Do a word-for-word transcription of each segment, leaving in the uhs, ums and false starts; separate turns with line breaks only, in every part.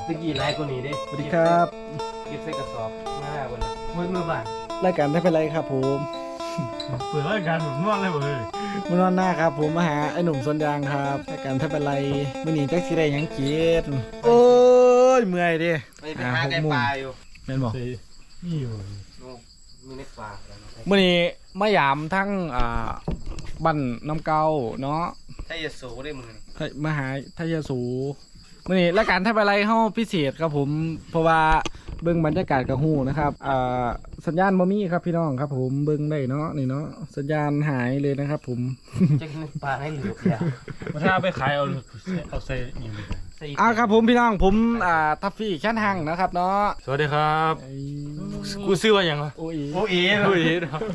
ตะกี้ไลฟ์กูนี่ดิ
สวัสดีครับ
เก็บใส่กระสอบเมื่อไหร่วันนี้มือมือบ้าน
รายการไม่เป็นไรครับผม
เปิดรายการแบบนวดเลยเว้ย
มานอนหน้าครับผมมาหาไอ้หนุ่มสวนยางครับรายการไม่เป็นไรมื่อนี้แจ็คสีได้หยังกินโอ้ยเมื่อยดิ
ไปไปหาไก่ปลาอยู่
แม่นบอก
นี่อยู่
มีเน็กปลา
มื่อนี้มายามทั้งอ่าบ้านน้ำเกาเนาะ
ถ้าจะสูได้มือ
มาหาทยสูมื่อนี้รายการไม่เป็นไรเฮาพิเศษครับผมเพราะว่าเบิ่งบรรยากาศกับหูนะครับอ่าสัญญาณบ่มีครับพี่น้องครับผมเบิ่งได้เนาะนี่เนาะสัญญาณหายเลยนะครับผม
จะกินปลาให้เหลืออย่า
มาถ้าไปขายเอาเอาใส่นี่เลย
อ่าครับผมพี่น้องผมอ่าทัฟฟี่แค่นหังนะครับเนาะ
สวัสดีครับ
ไอ้
กูซื้อว่าอย่างวะ
โอ้ย
โอ้ย
โอ้ย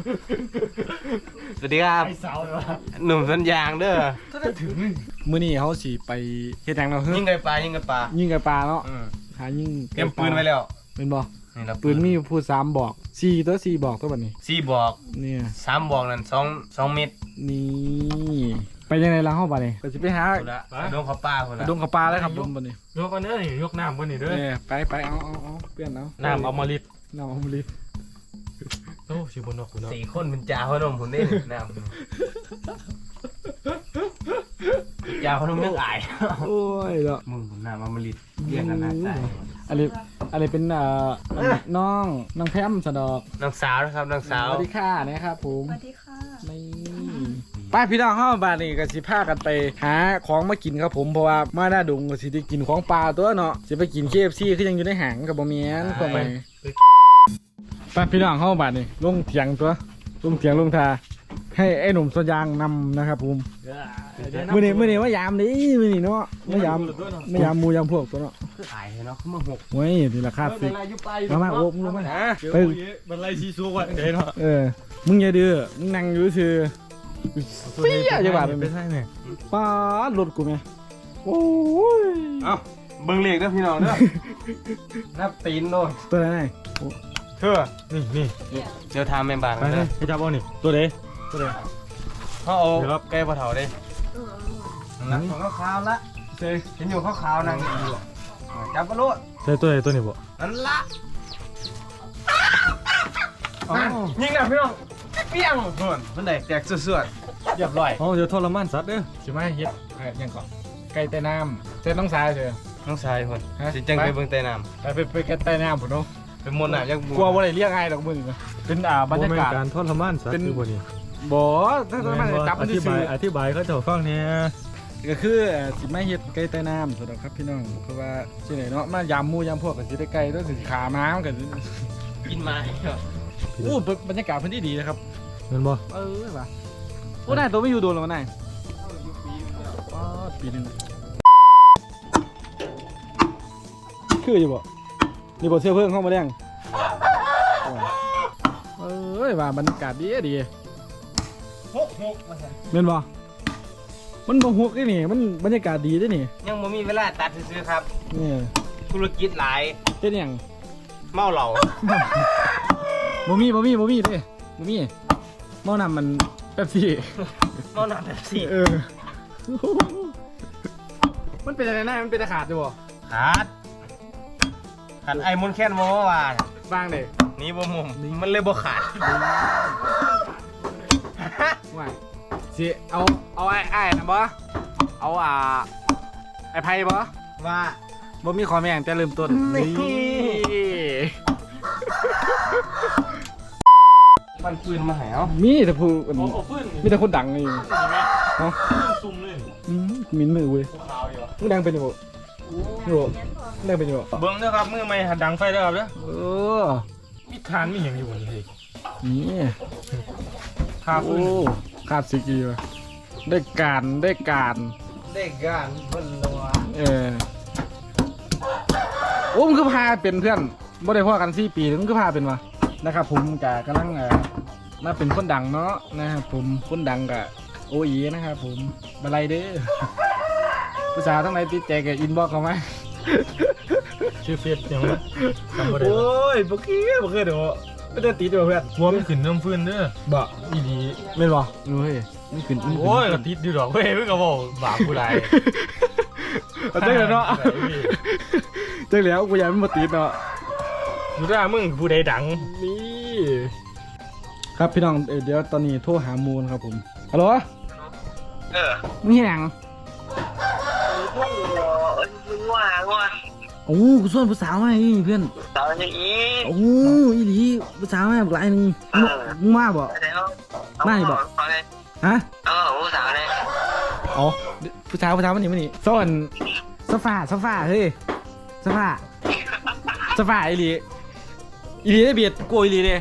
สวัสดีครับ
ไอ้สาวเลยวะ
หนุ่มสัญญางเด้อ
มื้อนี้เขาสิไปเฮ็ดหยังเนาะ
ยิงไก่ปลายิงไก่ปลา
ยิงไก่ปลาเนาะหายิง
เตรียมปืนไว้แล้ว
เป็นบ่
นี่เรา
ปืนมีพูดสามบอกสี่ตัวสี่บอกตัวบัดนี้
สี่บอก
เนี่ย
สามบอกนั่นสองสองเม็ด
นี่ไปยังไงล่ะเฮาบัดนี้ก็สิไปหา
คนละโดนเขาปลาคนละ
ดงกับปลาเลยครับผมบัดนี้
ยกอันนี้นี่ยกน้ำบนนี่ด้วย
เนี่ยไปไปเอาเอาเอาเปลี่ยนเอา
น้ำเอามาลิด
น้ำเอามาลิด
โอ้ชิบนนอกคุณเนาะ
สี่คนเป็นจ่าพนมผมได้น้ำจ่าพนมเรื่องอาย
โอ้ยเนาะ
มึงผมน้ำมามาลิดเรียกกันนะใช่
อันนี้อันนี้เป็นเอ่อน้องน้องแพมสะดอก
น้องสาวนะครับน้องสาว
สวัสดีค่ะนะครับผม
สวัสดีค่ะ
นี่ไป้าพี่น้องเข้าบ้านนี่ก็สิพากันไปหาของมากินครับผมเพราะว่ามาหน้าดงก็สิได้กินของปลาตัวเนาะสิไปกิน เค เอฟ ซี คือยังอยู่ในหางกับบ่แม่นก็ไปป้าพี่น้องเข้าบ้านนี่ลงเถียงตัวลงเถียงลงทาให้ไอ้หนุ่มสวนยางนำนะครับผมมื้อนี้มื้อนี้ว่ายามดิมื้อนี้เนาะว่ายามไม่ยามหมู่ยามพวกตัวเนาะ
คืออายเนาะขึ้นมาหก
โอ้ยนี่ราคาสิมามาโอ้มึงลงมาไป
บรรลัยชีซูวันเดี๋ยวเนาะ
เออมึงอย่าดื้อมึงนั่งอยู่ซื่อเปี้ยจังหวะเป็น
ไปใช่ไหม
ป้ารถกูไหมโอ้ย
เอ้าเบิ่งเลขเด้อพี่น้องเด้อนับตีนโดน
ตัวไหนไหน
เชื่อ
นี่นี่
เดี๋ยวทำแม่บ้าน
ไป
กัน
เล
เด้
ย
อ
ให้จับเอานี่ตัวเด้ตัวเด้
เขาเอาไก่ปลาเถาเด้
เออ
นั่งของขาวๆละเฮ้ยเห็นอยู่ขาวๆนั่งอยู่จับกระโดด
ใช่ตัวเด้ตัวนี้บ่
นั่นละยิงนะพี่น้องเปี้ยงเพื่อนมันแตกแตกเสื่อๆเรียบร้อย
อ๋อเดี๋ยวทรมานสัตว์เด้อ
ใช่ไหมเฮ็ดเฮ็ดยังก่อนไก่ใต้น้ำเส้นน้องสายเถอะ
น้องชายคน
ฮะ
สิจังไปเบิ่งใต้น้
ไปไปไปไก่ใต้น้ำผมเนาะ
ำเป็นมนต์น่ะยัง
กลัวว่าอะไรเรียกไงดอกมึงนะเป็นอ่าบรรยากาศ
การทรมานสัตว์คือบ่นี่
บ่ถ้าถ้ามันจับมัน
อธิ
ซื่
บาย
อ
อธิบายเขาเจ้าฟังเนี่ย
ก็คือสิมาเฮ็ดไก่ใต้น้ำสำหรับครับพี่น้องเพราะว่าที่ไหนเนาะมายามหมู่ยามพวกก็สิได้ไก่ต้องสิขาม้ามันก็
กินไม้
โอ้บรรยากาศเพิ่นดีๆนะครับ
เห็นบ่
เออว่ะโอ้นายตัวไม่อยู่โดนหรอกนายป้าดปีหนึงคืออยู่บ่นี่บ่เสื้อเพิ่งเข้ามาแดงเอ้ยว่าบรรยากาศดีดี
หกหกมาสั่น
แม่นบ่มันบ่ฮกได้นี่มันบรรยากาศดีได้นี่
ยังบ่มีเวลาตัดซื้อๆครับ
นี่
ธุรกิจหลาย
เฮ็ดหยัง
เมาเหล้า
บ่มีบ่มีบ่มีเด้บ่มีหม้อน้ำมันเป๊ปซี่
เมาหนักแบบสี่
เออมันเป็นอะไรนะมันเป็นตะขาดอยู่บ่
ขาดขาดไอ้มนต์แค้นบ่ว่าว่า
บ้างเด้
นี่บ่มุมมันเลยบ่ขาด
ว่าสิเอาเอาไอ้ไอ้นะบ่เอาอ่าไอ้ไพ่บ่
ว่า
บ่มีขอแม่งแต่เริ่มต้น
นี่
นี่
มันปืนมาให้เอา
มีแต่ผู้อัน
โอ้
นี้
โหฟื้น
มีแต่คนดังนี่
เห็นไหม
เนาะ
ซุ่มเลย
อืมมินมือเว้ย
ขาวอยู่
มึงดังเป็นอยู่บ่อยู่บ่มึงดังเป็นอยู่บ่
เบิ้งนะครับมือไม่หัดดังไฟแล้วครับเด้อ
เออ
มีทานมีอย่างอยู่บนนี้
นี่
คาฟื้น
โอ้ขาดสิกีว่ะได้การได้การ
ได้การเพิ่นตัว
เออโอ้มึงคือพาเป็นเพื่อนบ่ได้พ่อกันสี่ปีมึงคือพาเป็นวะนะครับผมกะกำลังเอ่อมาเป็นคนดังเนาะนะครับผมคนดังกะโออีนะครับผมมาไล่เด้อภาษาทั้งไหนติดใจกับอินบ็อกเข้ามา
ชื่อเฟซยังไงจำบ่ได้
โอ้ยบ่กี้บ่เคยเดี๋ยวไม่ได้ติดด้วยเพื่อน
หัวมันขึ้นน้ำฟื้นเด้อ
บ่
อีดี
แม่นบ่เฮ้ยมันขึ้นมันขึ้น
โอ้ยกระติดดีดอกเว้ยเพิ่งก็บอกบาปผู้ใด
เอาใจกันเนาะจังแล้วกูยังไม่มาติดเนาะ
ดูได้มึงผู้ใดดัง
นี่ครับพี่น้องเอ่อเดี๋ยวตอนนี้โทรหามูลครับผมฮัลโหล
เออ
มึงเห็นยัง
โอ้โหมึงว่าว่า
โอ้กูส่วนผู้สาวมาอีเพื่อน
สาวอย่างนี้
โอ้อีหลีผู้สาวมาหลายหนึงมึงมึงมาบ่
แต่เขา
ไม่บอก
เอาเลย
ฮะ
เออผู้สาวเลย
อ๋อผู้สาวผู้สาวมันนี่มันนี่ส่วนโซฟาโซฟาเฮ้ยโซฟาโซฟาอีหลีอีหลีได้เบียดกูอีหลีเด้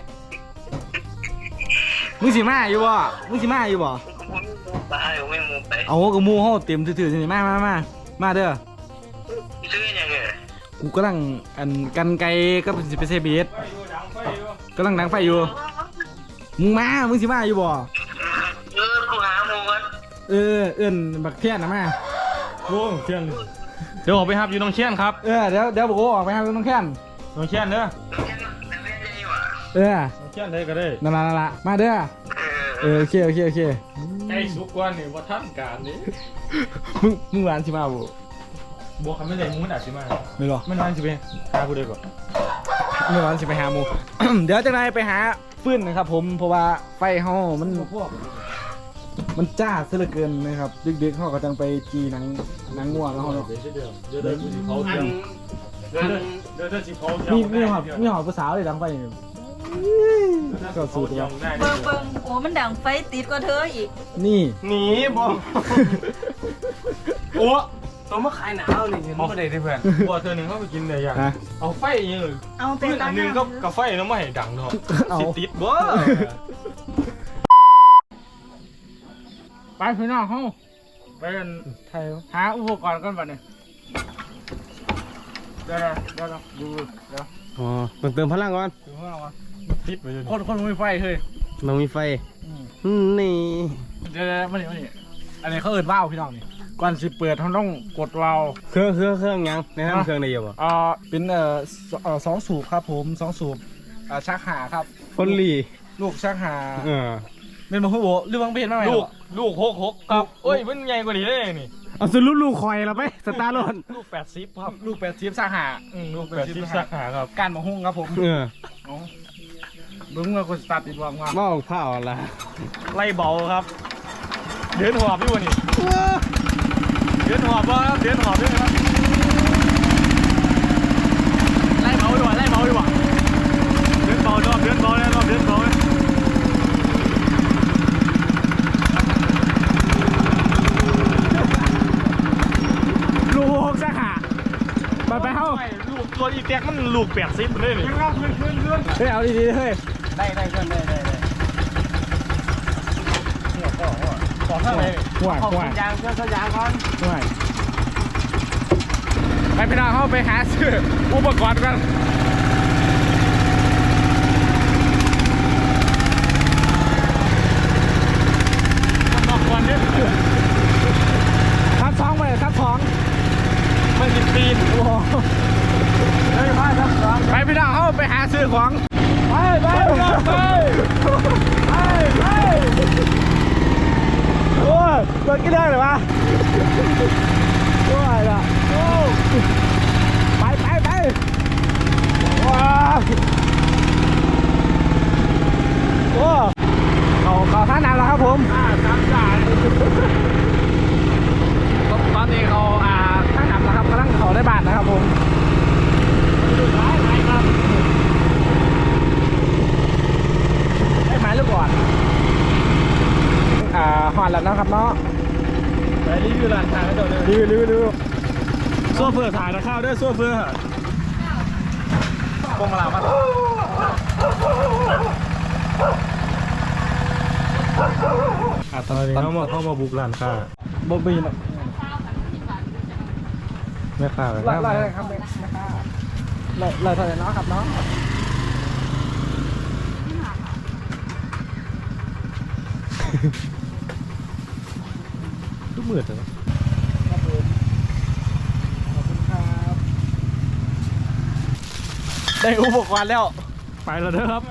มึงสิมาอยู่บ่มึงสิมาอยู่บ่
ผมไม่มูไปผมไม่มูไป
เอากับหมูเฮาเต็มถือๆสิมามามามาเด้อ
ซื้อยังไง
กูกำลังอันกันไกลก็เป็นสิไปเซเบียดกำลังดังไฟอยู่มึงมามึงสิมาอยู่บ่
เออกูหามูกัน
เออเอื้อนบักเทียนนะมา
โอ้เชียนเดี๋ยวออกไปครับอยู่น้องเชียนครับ
เออเดี๋ยวเดี๋ยวบอกว่าออกไปหาน้องแค้น
น้องเชียนเด้อ
แต่ไม่ได้ว่ะ
เออ
น้องเชียนได้ก็ได้
นั่นละนั่นละมาเด้อ
เออ
เออโอเคโอเคโอเค
ใจสุกกว่านี่ว่าท่านการนี้
มึงมึงหวานสิมาบ่
บวกคำไม่ได้มึงมันอาจจะมา
ไม่หรอ
มันนั่นสิไปหาผู้ใดก่อน
ไม่หวานสิไปหาหมู เดี๋ยวจังไรไปหาฟืนนะครับผมเพราะว่าไฟเฮามันมันจ้าซะเหลือเกินนะครับดึกๆเฮาก็จังไปจีหนังหนังง่วงแล้วเฮาเนาะ
เดี๋ยวเดี๋ยวเดี๋ยวเดี๋ยวกูสิเผาเทียมเดี๋ยวเดี๋ยวเดี๋ยวสิเผาเทียม
มีมีหอบมีหอบผู้สาวเลยดังไฟนี่ก็สูตร
เทีย
ว่าม
ได้
เบิ่งเบิ่งโอ้มันดังไฟติดกว่าเธออีก
นี่
หนีบอกโอ้ตัวมาขายหนาวนี่เห็นบ่ได้เด้อเพื่อน
บัวเธอหนึ่งเข้าไปกินเลยอย่าง
ฮะ
เอาไฟยังเลย
เอาไป
เพื่อน
ตั้
อั
ง
นหนึงก็กาไฟแล้วไม่ให้ดังเนาะ
เอา
สิติดบ่
ไปพี่น้องเฮา
ไปกัน
ไทยหาอุปกรณ์ก่อนบัดนี้เดี๋ยวๆเดี๋ยวๆดูเดี๋ยว
อ๋อต้องเติมพลังก่อน
ดูข้างนอกก่อน
ติดไปเลย
คนคนมีไฟเฮ้ย
ต้องมีไฟนี่
เดี๋ยวๆมานี่มานี่อันนี้เขาเอิ้นว่าวพี่น้องนี่ก่อนสิเปิดเขาต้องกดวาล์ว
เครื่องเครื่องเครื่องยังแนะนำเครื่องได้อยู่บ่
อ่าเป็นเอ่อสเอ่อสองสูบครับผมสองสูบอ่าชักหาครับ
คนหลี
ลูกชักหา
เออ
เป็นมาฮู้บ่หรือว่าเป็นมาไหม
ลูกลูกหกหกครับเอ้ยมันใหญ่กว่านี้เลยนี่
เอาสรุปลูกคอยเราไปสตาร์รถ
ลูกแปดสิบครับ
ลูกแปดสิบชักหา
อืมลูกแปดสิบสาขาครับ
การมาหุ้งครับผม
เออ
เอาเบิ่งว่าคนสตาร์ทติดวางว่า
บ้าเผาละ
ไล่เบาครับ เดินหอบอยู่วะนี่เดินหอบบ่ครับเดินหอบด้วยครับไล่เบาดีกว่าไล่เบาดีกว่าเดินเบาดอบเดินเบาแล้วรอบเดินเบาเลย
ลูกหกชักหาไปไปเฮ้า
ไม่ลูกตัวอีแท็กมันลูกแปดสิบเลยนี่
เฮ้ยเอาดีๆเฮ้ย
ได้ได้เพื่อนได้ได้ได้เนี่ยก็ขอเท่าไหร่
ห่วยห่วย
ยางเพื่อนสยางก่อน
ห่วยไปพี่น้องเข้าไปหาซื้ออุปกรณ์กัน
บอกก่อนเนี่ย
ทับสองไปทับสอง
มันสิบปีน
โอ้โห
เฮ้ยมาครับครับ
ไปพี่น้องเข้าไปหาซื้อของไปไปไปไปไปโอ้ยเปิดกี่ได้หรือวะโอ้ยล่ะโอ้ไปไปไปว้าวโอ้เขาเขาท่าน้ำแล้วครับผม
อ่าสามจ่าย
ตอนนี้เขาอ่าท่าน้ำแล้วครับกำลังเขาได้บาทนะครับผมได้ไหมลูกก่อนอ่าหอนแล้วนะครับเนาะ
ไปรีวิวร้านค้าให้ดูเลย
รีวิวรีวิวรีวิว
โซ่เฟือถ่ายนะข้าวด้วยโซ่เฟือพวงมาลามาอ่ะตอนนี้เขามาเข้ามาบุกร้านค้า
บอบบี้นะ
แม่ค้าเลย
ไล่ไล่ครับแม่ค้าไล่ไล่เท่าไหร่เนาะครับเนาะ
ทุกมือเถอะ
ครับผมขอบคุณครับได้อุปกรณ์แล้ว
ไปแล้วเด้อครับ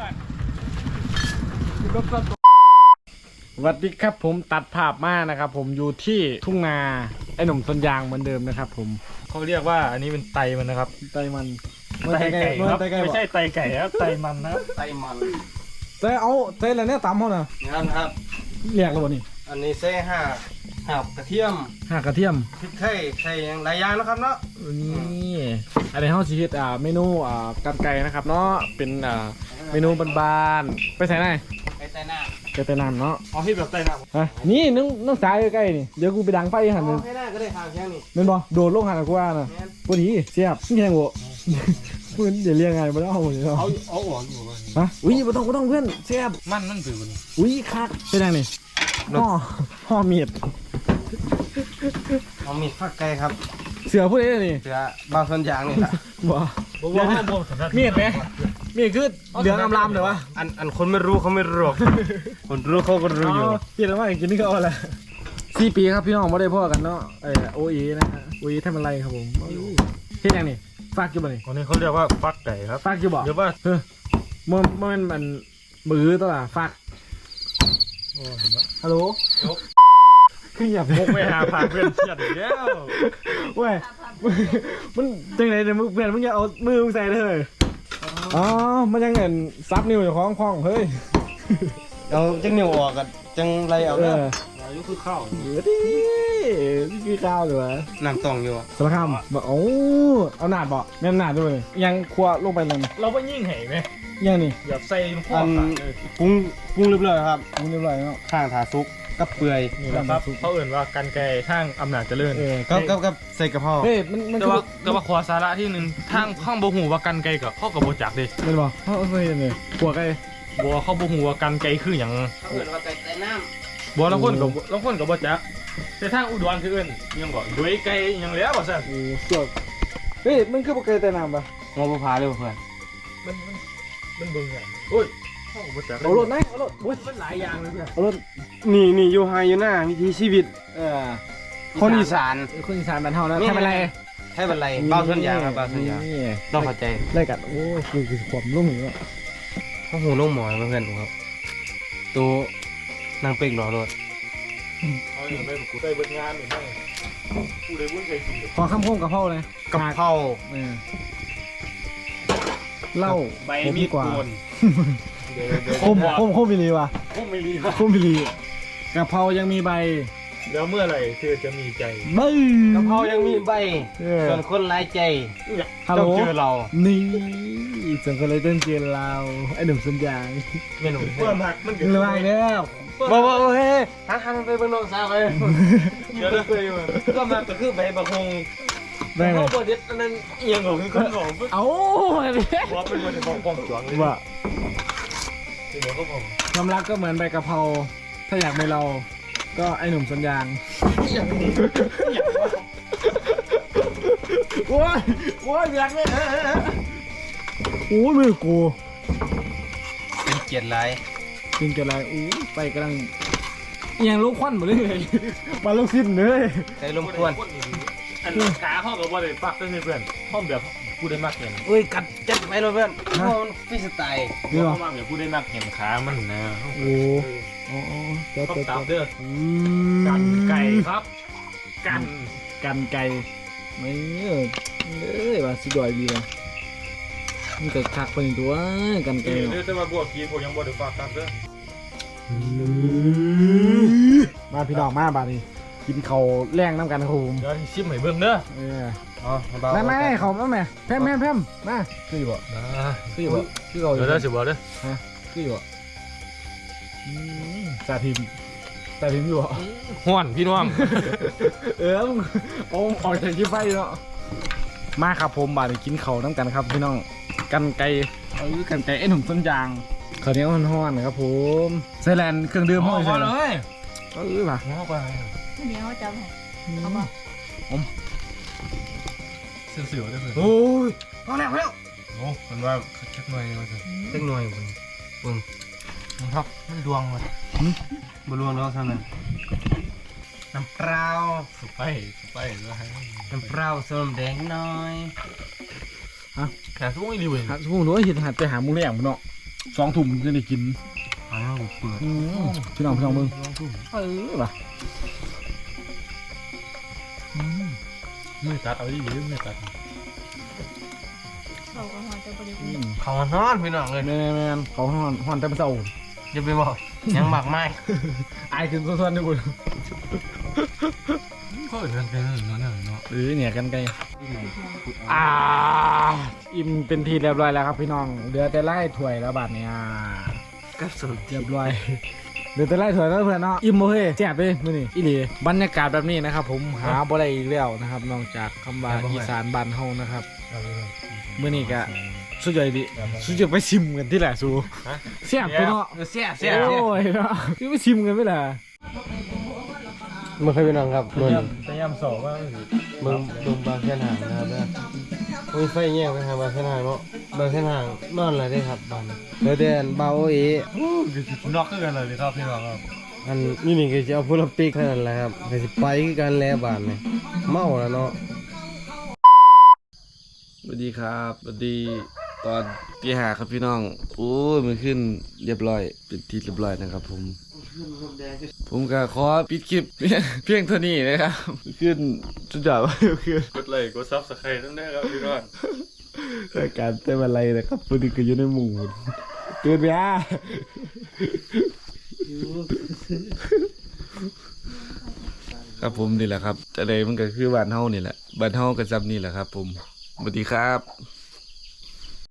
สวัสดีครับผมตัดภาพมานะครับผมอยู่ที่ทุ่งนาไอ้หนุ่มต้นยางเหมือนเดิมนะครับผม
เขาเรียกว่าอันนี้เป็นไตมันนะครับ
ไตมัน
ไตไก่ครับ
ไตไก่
ไม่ใช่ไตไก่ครับไตมันนะครับ
ไตมัน
ไตเอาไตอะไรเนี่ยตำเขาน่ะ
งั้นครับ
เรียกแล้วบ่นี่
อันนี้ใส่ห่าหับกระเทียม
ห่ากระเทียม
พริกไทยใส่อย่างหลายอย่างนะครับเนาะ
นี่อันนี้เฮาสิเฮ็ดอ่าเมนูอ่ากันไก่นะครับเนาะเป็นอ่าเมนูบานๆไปใส่ไหน
ไอ้แต่หน้า
ไปแต่น้ำเนาะ
เอาที่แบบไตน้
ฮะนี่นึงนึงสายใกล้ๆนี่เดี๋ยวกูไปดังไฟหันนึง
ให้หน้าก็ได้ทางแค่นี้
แม่นบ่โดดลงหันกูว่าน่ะพอดีเสียบนี่แข่งบ่มึงเดี๋ยวเรียกไงบ่ได้เอาหมดเลยเนาะ
เอาเอาออกอยู่มัน
ฮะอุ้ยบ่ต้องบ่ต้องเพื่อนเสียบ
มันมันถือมัน
อุ้ยคักเป็นยังนี่ห่อห่อมีด
เอามีดฟักไก่ครับ
เสือผู้ใดนี่
เสือบางส่วนอย่างนี่ล่ะ
บ่
บอกว่าห้ามบ่สำคัญ
มีดไหมมีดคือเหลืองอำลามเด้อวะ
อันอันคนไม่รู้เขาไม่รู้หรอกคนรู้เขาก็รู้อยู่
เห็นแล้วว่ากินนี่ก็เอาละสี่ปีครับพี่น้องไม่ได้พ่อกันเนาะเออโอเอนะฮะโอเอทำอะไรครับผมเฮ็ดยังนี่ฝากอยู่บ่นี่
วันนี้เขาเรียกว่าฟักไก่ครับ
ฝากอยู่บ่
เดี๋ยวว่า
เออมันมันมันมือตัวละฝาก
โอ้เห็นแล้ว
ฮัลโหลคืออย่า
พกไปหาพาเพื่อนเชียดอีกแล้ว
เว้ยมันจังไหนเนี่ยมึงเพื่อนมึงอย่าเอามือมึงใส่เลยอ๋อมันยังเงินซับนิ้วอยู่ของของเฮ้ย
เอาจังเหนียวออกกันจังไรเอา
เอ
เด้อ
อ
อายุคือข้าว
เดี๋ยวดินี่คือข้าวเลยวะ
น้ำตองอยู่
สารคามบอกโอ้เอาหนาดบ่แม่นหนาดด้วยยังครัวลงไปเลย
เราไปยิ่งแห่ไหม
ยังนี่
อย่าใส่พ่อ
อัน
ขาเลย
ปรุงปรุงเรียบร้อยครับ
มึงเรียบร้อยแล้ว
ข้างถาซุกกับเปื่อย
นี่แหละครับเขาเอื่นว่ากันไก่ทางอำนาจเจริญ
เออ
กับกับกับใส่กระเพรา
เฮ้ยมันมัน
แต่ว่าแต่ว่าขอสาระที่หนึ่งทางข้างบ่หูว่ากันไก่กับข้อกับโบจักเดิ
มันบอกเขาเคยเห็นเลยขัวไก่
บัวข้อบ่หูว่ากันไก่คืออย่าง
เขาเอิ้นว่าไก่ใส่น้
บัวละคนกับละคนกับโบจักแต่ทางอุดรคือเอื่นยังบอกด้วยไก่ยังแล้วว่าซั่น
โอ้สวดเฮ้ยมันคือปลาไก่แต่น้ำปะ
ำงอบุพาเลยเพื่อน
มันมันมันเบิ่งไงโอ้ยข้อกับโบจัก
เอารถไหมเอารถโอ้ย
มันหลายอย่างเลยเนี่ย
เอารถ
นี่นี่อยู่ไฮอยู่หน้าวิถีชีวิต
เออ
คนอีสาน
คนอีสานบ้านเฮานะ
นี่
ทำอะไร
ให้เป็นไรเบาส่วนอย่างครับเบาส่วนอย่าง
นี่
ต้องเข้าใจ
ไล่กัดโอ้ยคือคือความลุ่มอยู่แล้ว
เขาหูนุ่มหมอยเพื่อนผมครับตัวนางเป็กหล่อรถ
เอาอย่างไรกูได้เบิดงานหรือไม่กูได้บุญใจจริง
ขอคำคมกับพ่อเลย
กะเพรา
เออเหล้า
ใบ
ผม
มีด
กว่า
โกนเดี๋ยวเดี๋ยว
คมคมคมมิลีว่ะ
คมไม่รีครับ
คมมิลีกะเพรายังมีใบ
แล้วเมื่อไหร่เธอจะมีใจ
บึ้ง
กะเพรายังมีใบ
เออ
ส่วนคนร้ายใจ
ฮัลโหล
ต้องเจอเรา
นี่จังก็เลยเต้นเจียนเราไอ้หนุ่มสัญญาณ
เมนู
เพื่อนหักมันเกิด
ระวังเด้อ
บอกว่าเฮ้ยหันหันไปเบิ่งน้องสาวเลย
เดี๋ยวนะเคยอยู่
ก็มาก็คือใบบักฮง
ได้ไหม
เขาบอด็ดอันนั้นเอียงของคือคนของ
เอ้าอะไรเนี่ย
ว่าเป็นคนที่มองกล้องจวงเลย
ว่า
ที่เหลือก็ผม
ความรักก็เหมือนใบกะเพราถ้าอยากมีเรา ก็ไอ้หนุ่มสัญญาณโอ้ยโอ้ยอยากเลยโอ้ยมือกู
เป็นเกียรติไร
จริงจะอะไรอู้ไปกำลังเอียงลูกควันหมดเลยมาลูกซิ้นเลย
ใครลมควร
อันขาห้องกับว่าเลยปักก็คือเพื่อนห้องแบบกูได้มากเห็น
เอ้ยกัดจัดไปเลยเพื่อนเพราะมันฟรีสไตล์
นี่หรอ
ห้องมากแบบกูได้มากเห็นขามันนะ
โอ้โอ้เจ้า
ต้อง
เจ้า
ตาม
เจ้า
เด้อกันไก่ครับ กัน
กันไก่ไม่เออเอ้ยว่าสุดยอดดีเลยมันเกิดคักไปตัวกันไก่
เดี๋ยว
เนาะ
จะมาบวกกีผมยังบวกเดี๋ยวฝากตามเด้อ
มาพี่น้องมาบาดนี้กินเขาวแรงน้ำกันครับผม
เดี๋ยวชิมให้เบิ่งเด้อ
เออ
อ๋อเบา
ไม่ไม่เขาไม่แม่แพมแพมแพมมาคืออยู่บ่คืออยู่บ่คือเขาอ
เดี๋
ยู่
ยวได้สิบอกเด้อ
ฮะคืออยู่บ่อืมจ่าทิมจ่าทิมอยู่บ่
ห้วนพี่น้อง
เออมึงเอาออกจากยี่ไฟเนาะมาครับผมบาดนี้กินเขาวน้ำกันครับพี่น้องกันไก่เออกันไก่ไอ้หนุ่มต้นยางข้าวเหนียวฮ้อนๆครับผมไซแลนด์เครื่องดื่มห้องไซแลนด์
ย
เออป่ะ
ง้อไป
เดี๋ยวจำให้เอาบอก
เสือๆได้เลย
โอ้ยพอแล้วพอแล้ว
โอ้มันว่าแค่หน่อยมาสิ
เล็กน้อยคุณเบิ่ง
ครับมันดวงมัน
บรวงแล้วเท่านั้นน้ำเปล่า
สุไปสุไปแล้วให้
น้ำเปล่าส้มแดงน้อย
แค่ทุกอย่างดีเว้ย
หาทุ่งหนูเห็นหัดไปหาหมูแหลมเนาะสองถุงจะได้กิน
อ้าวเปิด
อืมพี่น้องพี่น้องมึงเออป่ะอืม
มือตัดเอาดิมือตัด
เขาก็หอจะบริ
อื
บูร
ม
เขานอนพี่น้องเลย
แม่นแม่นเขาฮอนฮอนแต่เช้า
อย่าไปบอกยังหมักไม่
อายขึ้นส่วนๆด้วยบุญ
ก็เดินไปเนาะเนาะ
หรือเนี่ยกันไกลอ่าอิ่มเป็นทีเรียบร้อยแล้วครับพี่น้องเหลือแต่ไล่ถ้วยแล้วบาดเนี่ย
ก็สุด
เรียบร้อยเหลือแต่ไล่ถ้วยแล้วเพื่อนเนาะอิ่มโอเคแซ่บเลยมื้อนี้อีหลีบรรยากาศแบบนี้นะครับ ผมหาบ่ได้อีกแล้วนะครับนอกจากคำว่าอีสานบ้านเฮานะครับมื้อนี้ก็สุดยอดดิสุดยอดไปชิมกันที่แหละสูแซ่บไปเนาะ
เสียเสีย
โอ้ยเนาะคือไปชิมกันไปล่ะ
มันเคยเป็นน้องครับเมือง
พยายามสอบว่า
เมืองเมืองบางแสนหางนะครับนะโอ้ยไฟแง่ไปทางบางแสนหางเนาะบางแสนหางนอนอะไรได้ครับบ้านเดยวเดนเบาโอเอ
นอกคือกันเลยครับพี่น้องครับ
อันนี่นี่ก็จะเอาพูลปิกเท่านั้นแหละครับก็สิไปคือกันแล้วบ้านเนี่ยเมาแล้วเนาะ
สวัสดีครับสวัสดีตอนตีห้าครับพี่น้องโอ้ยมันขึ้นเรียบร้อยเป็นที่เรียบร้อยนะครับ ผม ผมก็ขอปิดคลิป เพียงเท่านี้นะครับขึ้นสุดยอดว่าคือก
ดไลค์กดซับสไครต์ตั้งแต่ครับพี่น้อง
รายการเต้นอะไรนะครับพอดีก็อยู่ในหมู่ตื่นไปอ่ะครับผมนี่แหละครับแต่ใดมันก็คือบ้านเฮานี่แหละบ้านเฮาก็จำนี่แหละครับ ผมสวัสดีครับ